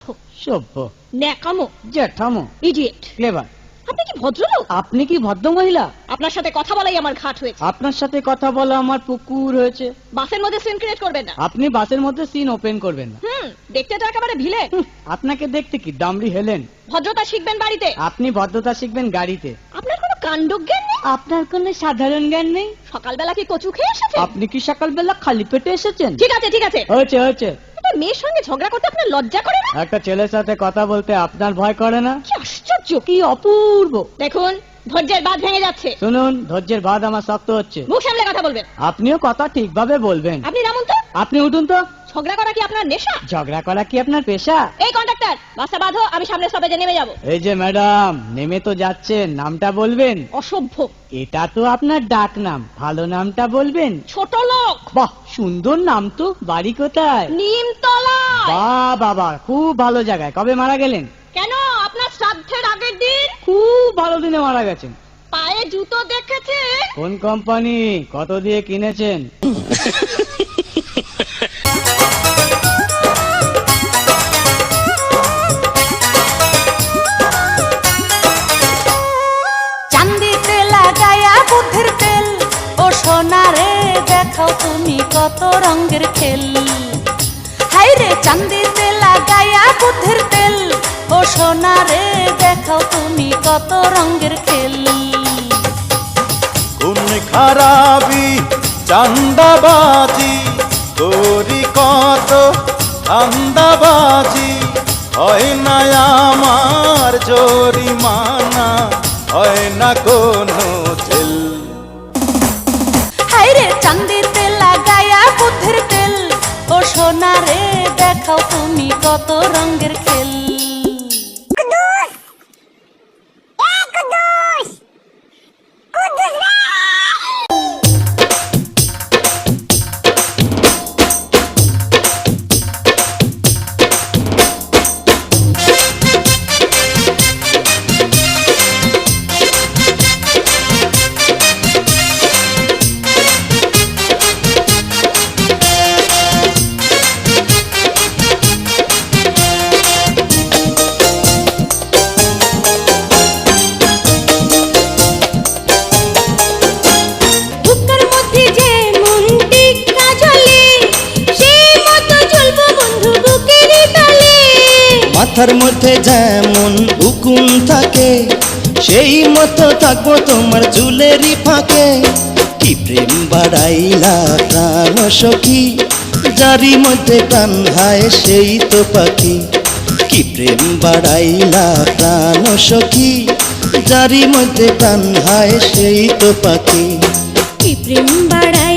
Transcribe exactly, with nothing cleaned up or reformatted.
সভ্য, ন্যাকামো, জ্যাঠামো, idiot. Clever. আপনি কি ভদ্রলোক? আপনি কি ভদ্র মহিলা? আপনার সাথে কথা বলাই আমার ঘাট হয়েছে। আপনার সাথে কথা বলা আমার পুকুর হয়েছে। বাসের মধ্যে সিন ক্রিয়েট করবেন না। আপনি বাসের মধ্যে সিন ওপেন করবেন না। হুম, দেখতে তো একেবারে ভিলে। হুঁ, আপনাকে দেখতে কি দামড়ি হেলেন? ভদ্রতা শিখবেন বাড়িতে। আপনি ভদ্রতা শিখবেন গাড়িতে। আপনার কোনো কাণ্ডজ্ঞান নেই। আপনার কোনো সাধারণ জ্ঞান নেই। সকালবেলা কি কচু খেয়ে এসেছেন? আপনি কি সকালবেলা খালি পেটে এসেছেন? ঠিক আছে ঠিক আছে, হয়েছে হয়েছে। একটা মেয়ের সঙ্গে ঝগড়া করতে আপনার লজ্জা করে না? একটা ছেলের সাথে কথা বলতে আপনার ভয় করে না? কি আশ্চর্য, কি অপূর্ব। দেখুন ধৈর্যের বাঁধ ভেঙে যাচ্ছে। শুনুন, ধৈর্যের বাঁধ আমার শক্ত হচ্ছে। মুখ সামলে কথা বলবেন। আপনিও কথা ঠিকভাবে বলবেন। আপনি নামুন তো। আপনি উঠুন তো। ঝগড়া করা কি আপনার নেশা? ঝগড়া করা কি আপনার পেশা? এই কন্ডাক্টর, বাসটা বাঁধো, আমি সামনে স্টপেজে নেমে যাব। এই যে ম্যাডাম, নেমে তো যাচ্ছেন, নামটা বলবেন। অসভ্য। এটা তো আপনার ডাক নাম, ভালো নামটা বলবেন। ছোট লোক। বাহ, সুন্দর নাম তো। বাড়ি কোথায়? নিমতলা। বাহ বাবা, খুব ভালো জায়গায়। কবে মারা গেলেন? কেন, আপনার শ্রাদ্ধের আগের দিন। খুব ভালো দিনে মারা গেছেন। পায়ে জুতো দেখেছে? কোন কোম্পানি, কত দিয়ে কিনেছেন? চান্দিতে লাগায়া বুদ্ধির তেল, ও সোনারে দেখাও তুমি কত রঙের খেল। হাইরে চান্দিতে লাগায়া বুদ্ধির তেল, ও সোনারে দেখাও তুমি কত রঙের খেল। কোন খারাপি চান্দাবাজি করি কত ধান্দাবাজি, হয় না আমার জরিমানা, হয় না কোনো জেল। হাইরে চান্দিতে লাগায়া বুদ্ধির তেল, ও সোনারে দেখাও তুমি কত রঙের খেল। মাথার মধ্যে যেমন উকুন থাকে, সেই মতো থাকবো তোমার চুলেরই ফাঁকে। কি প্রেম বাড়াইলা প্রাণ সখী, যারি মধ্যে প্রাণ হায় সেই তো পাখি। কি প্রেম বাড়াইলা প্রাণ সখী, যারি মধ্যে প্রাণ হায় সেই তো পাখি। কি প্রেম বাড়াই